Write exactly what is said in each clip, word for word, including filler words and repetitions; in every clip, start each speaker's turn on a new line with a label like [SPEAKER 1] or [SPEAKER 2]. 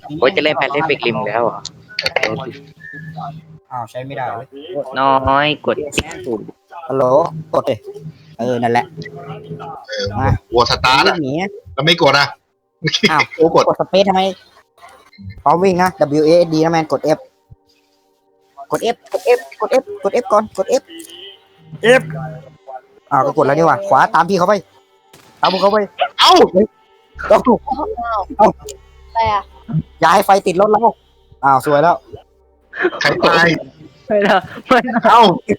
[SPEAKER 1] โอ้ยจะเล่นแพนเล่นเบกริมแล้วเหรอ
[SPEAKER 2] อ้าวใช้ไม่ได้เว้ย
[SPEAKER 1] น้อยกดถูก
[SPEAKER 2] ฮัลโหลกดดิเออนั่นแหละ
[SPEAKER 3] เออหัวสตาร์ท
[SPEAKER 2] วิ่
[SPEAKER 3] อ่ะ
[SPEAKER 2] งหนี
[SPEAKER 3] แล้วไม่กดอ่ะ
[SPEAKER 2] อ้าว
[SPEAKER 3] โอ้กด
[SPEAKER 2] กดสเปซทำไมพร้อมวิ่งนะ W A S D นะแมนกด F กด F กด F กด F กด F ก่อนกด F F อ้าวก็กดแล้วนี่หว่าขวาตามพี่เขาไปตามพวกเขาไป
[SPEAKER 3] เอ้า
[SPEAKER 2] ต้องถูก
[SPEAKER 4] อะไรอ่ะ
[SPEAKER 2] อย่าให้ไฟติดรถเราอ้าวสวยแล้ว
[SPEAKER 3] ใครตาย
[SPEAKER 1] ไม่นะไม่นะ
[SPEAKER 3] เอ้า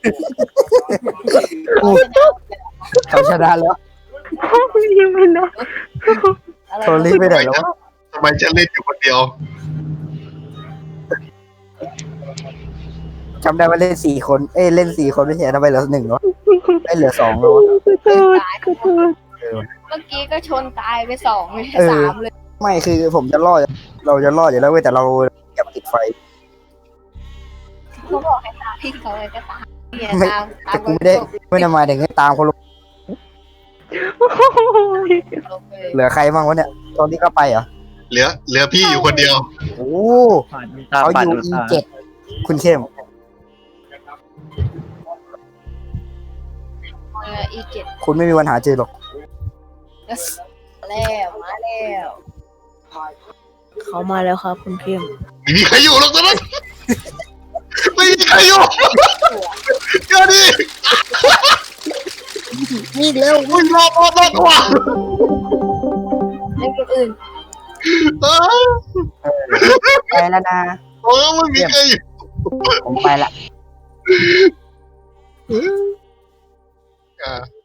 [SPEAKER 2] เขาชนะแล้ว
[SPEAKER 1] ยังไม่นะ
[SPEAKER 4] อะไร
[SPEAKER 2] โทรรีบไปไหนแล้ว
[SPEAKER 3] ทำไมจะเล่นอยู่คนเดียว
[SPEAKER 2] จำได้ว่าเล่นสี่คนเอ้ยเล่นสี่คนไม่ใช่ทำไมเหลือหนึ่งวะไม่เหลือสองแล้ววะ
[SPEAKER 4] ตายเมื่อกี้ก็ชนตายไปสองเลยสามเลย
[SPEAKER 2] ไม่คือผมจะรอดเราจะรอดอยู่แล้วเว้ยแต่เราอย่าติดไฟ
[SPEAKER 4] เขาบอกให้ตามพี่เขาเลยก็ตามเนี่ยตามตา
[SPEAKER 2] แต่
[SPEAKER 4] ม
[SPEAKER 2] กูไม่ได้ไม่ได้หมายถึงให้ตามเขาลง
[SPEAKER 4] ลงไปเลย
[SPEAKER 2] เหลือใครบ้างวะเนี่ยตอนนี้ก็ไปเหรอ
[SPEAKER 3] เหลือ เหลือพี่อยู่คนเดียว
[SPEAKER 2] โอ้
[SPEAKER 1] ตา
[SPEAKER 2] เขา
[SPEAKER 1] ปัด
[SPEAKER 2] อยู่ E เจ็ดคุณเข้ม
[SPEAKER 4] เอออีเจ็ด
[SPEAKER 2] คุณไม่มีวันหาเจอหรอก
[SPEAKER 4] แล้วมาแล้ว
[SPEAKER 5] เขามาแล้วครับคุณเข้ม
[SPEAKER 3] ไม่มีใครอยู่หรอกตอนนั้นไม่มีใครอยู่เดี๋ยวดิ
[SPEAKER 2] นี่เร็ว
[SPEAKER 3] อุ้ยรอบรอบรอบตัว
[SPEAKER 4] เล่นคนอื่น
[SPEAKER 3] เออ
[SPEAKER 2] ไปแล้วนะ
[SPEAKER 3] เออไม่มีใครอยู่
[SPEAKER 2] ผมไปละ
[SPEAKER 3] อ่า